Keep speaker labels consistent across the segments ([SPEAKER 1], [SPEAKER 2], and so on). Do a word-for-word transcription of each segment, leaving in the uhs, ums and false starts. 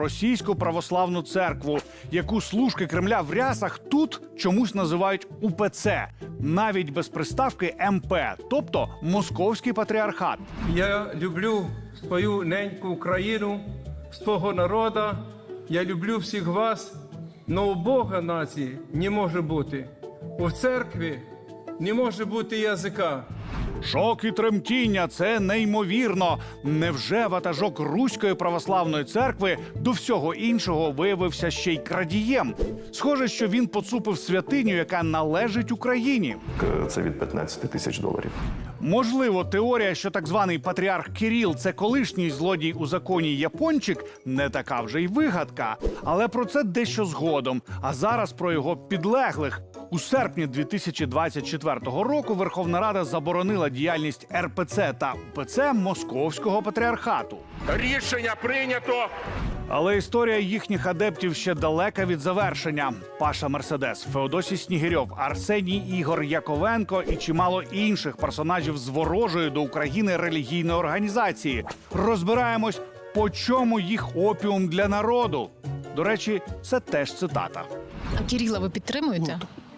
[SPEAKER 1] Російську православну церкву, яку служки Кремля в рясах тут чомусь називають У Пе Це, навіть без приставки Ем Пе, тобто Московський патріархат.
[SPEAKER 2] Я люблю свою неньку Україну, свого народу, я люблю всіх вас, но у Бога нації не може бути. У церкві не може бути язика.
[SPEAKER 1] Шок і тремтіння – це неймовірно. Невже ватажок Руської православної церкви до всього іншого виявився ще й крадієм? Схоже, що він поцупив святиню, яка належить Україні.
[SPEAKER 3] Це від п'ятнадцяти тисяч доларів.
[SPEAKER 1] Можливо, теорія, що так званий патріарх Кирил – це колишній злодій у законі япончик, не така вже й вигадка. Але про це дещо згодом. А зараз про його підлеглих. У серпні дві тисячі двадцять четвертого року Верховна Рада заборонила діяльність Ер Пе Це та У Пе Це Московського патріархату.
[SPEAKER 4] Рішення прийнято.
[SPEAKER 1] Але історія їхніх адептів ще далека від завершення. Паша Мерседес, Феодосій Снігирьов, Арсеній Ігор Яковенко і чимало інших персонажів з ворожої до України релігійної організації. Розбираємось, по чому їх опіум для народу. До речі, це теж цитата.
[SPEAKER 5] А Кирила ви підтримуєте?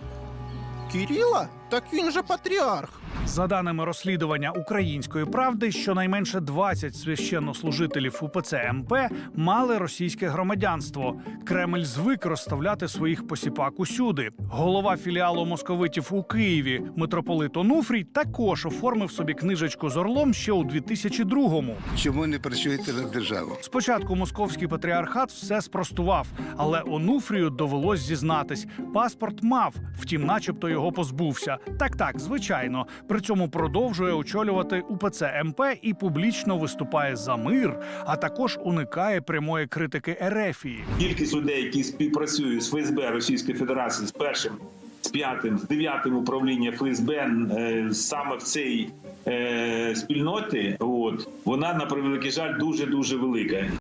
[SPEAKER 6] Кирила? Так він же патріарх.
[SPEAKER 1] За даними розслідування «Української правди», щонайменше двадцять священнослужителів У Пе Це Ем Пе мали російське громадянство. Кремль звик розставляти своїх посіпак усюди. Голова філіалу московитів у Києві митрополит Онуфрій також оформив собі книжечку з орлом ще у дві тисячі другому.
[SPEAKER 7] Чому не працюєте на державу?
[SPEAKER 1] Спочатку московський патріархат все спростував, але Онуфрію довелось зізнатись. Паспорт мав, втім начебто його позбувся. Так-так, звичайно. При цьому продовжує очолювати У Пе Це Ем Пе і публічно виступає за мир, а також уникає прямої критики Ерефії.
[SPEAKER 8] Кількість людей, які співпрацюють з Фе Ес Бе Російської Федерації, з першим, з п'ятим, з дев'ятим управлінням Фе Ес Бе е, саме в цій е, спільноті, от, вона, на превеликий жаль, дуже-дуже велика.